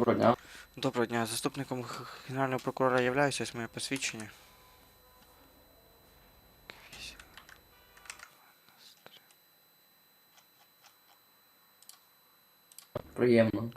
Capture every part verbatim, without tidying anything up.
Доброго дня. Доброго дня. Заступником г- Генерального прокурора являюся, ось моє посвідчення. Приємно.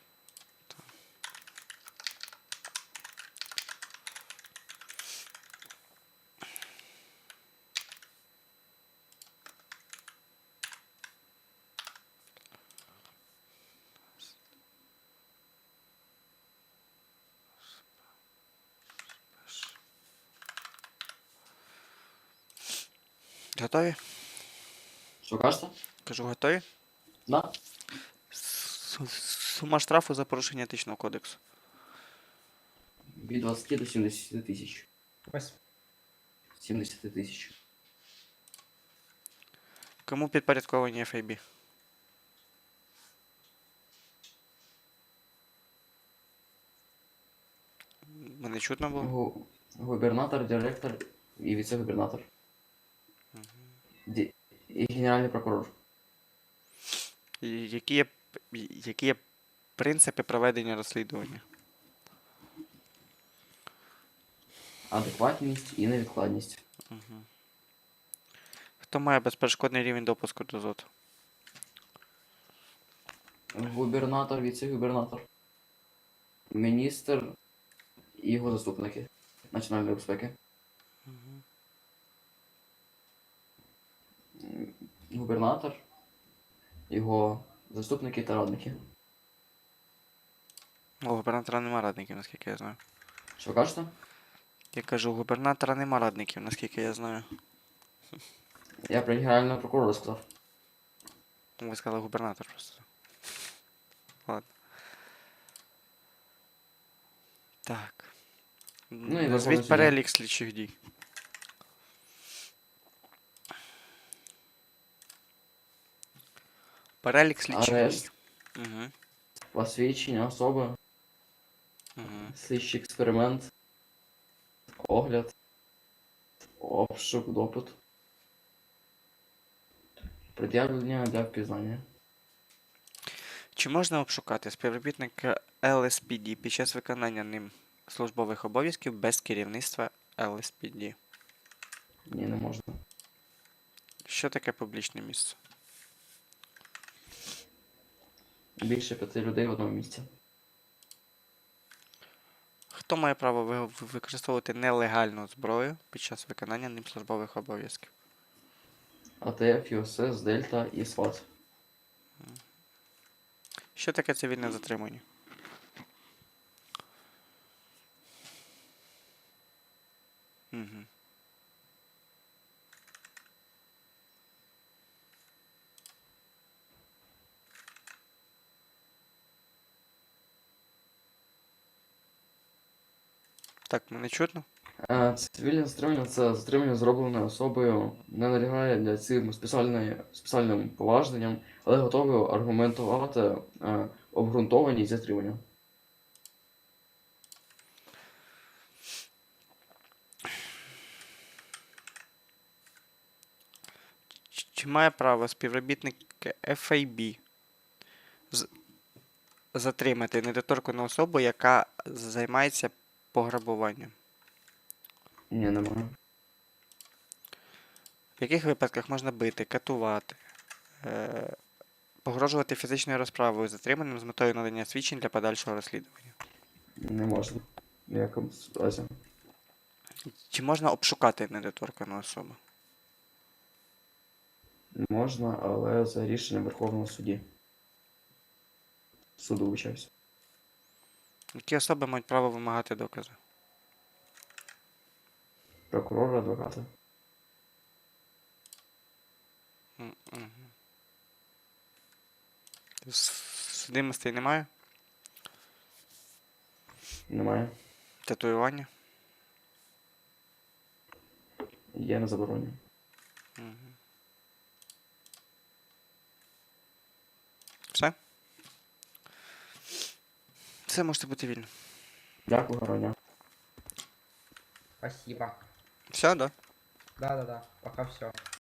Готові? Що кажете? Кажу, готові? Да? С- Сума штрафу за порушення етичного кодексу. Від двадцяти до сімдесяти тисяч. Ось. сімдесят тисяч. Кому підпорядковані еф ай бі? Мене чутно було? Гу- Губернатор, директор і віце-губернатор. Ді- І генеральний прокурор. І Які є, п- які є принципи проведення розслідування? Адекватність і невідкладність. Угу. Хто має безперешкодний рівень допуску до ЗОТ? Губернатор, віце-губернатор. Міністр і його заступники національної безпеки. Угу. М, Губернатор, його заступники та радники. У губернатора нема радників, наскільки я знаю. Що кажете? Я кажу, у губернатора нема радників, наскільки я знаю. Я про генерального прокурора сказав. Ви сказали губернатор просто. Ладно. Так. Ну, і Верховний Назвіть Суддя. перелік слідчих дій. Перелік слідчих Арешт, дій. Угу. посвідчення особи, Угу. слідчий експеримент, огляд, обшук, допит, пред'явлення для впізнання. Чи можна обшукати співробітника ел ес пі ді під час виконання ним службових обов'язків без керівництва ел ес пі ді? Ні, не можна. Що таке публічне місце? Більше п'яти людей в одному місці. Хто має право ви- використовувати нелегальну зброю під час виконання ним службових обов'язків? АТФ, ЮСС, Дельта і СВАТ. Що таке цивільне затримання? Угу. Так, мене чутно? Е, Цивільне затримання це затримання зроблене особою, не налягає для цим спеціальної, спеціальним поважненням, але готовий аргументувати е, обґрунтованість затримання. Чи чи має право співробітник еф ай бі з- затримати недоторкану особу, яка займається пограбуванням? Ні, немає. В яких випадках можна бити, катувати, е- погрожувати фізичною розправою затриманим з метою надання свідчень для подальшого розслідування? Не можна. В ніякому разі. Чи можна обшукати недоторкану особу? Можна, але за рішенням Верховного судді. Суду вибачаюсь. Які особи мають право вимагати докази? Прокурора, адвоката. М, мгм. С- Судимостей немає? Немає. Татуювання? Є на забороні. Мгм. Все? Все, можете бути вільні. Дякую, гарного дня. Спасибо. Все, да? Да-да-да, пока все.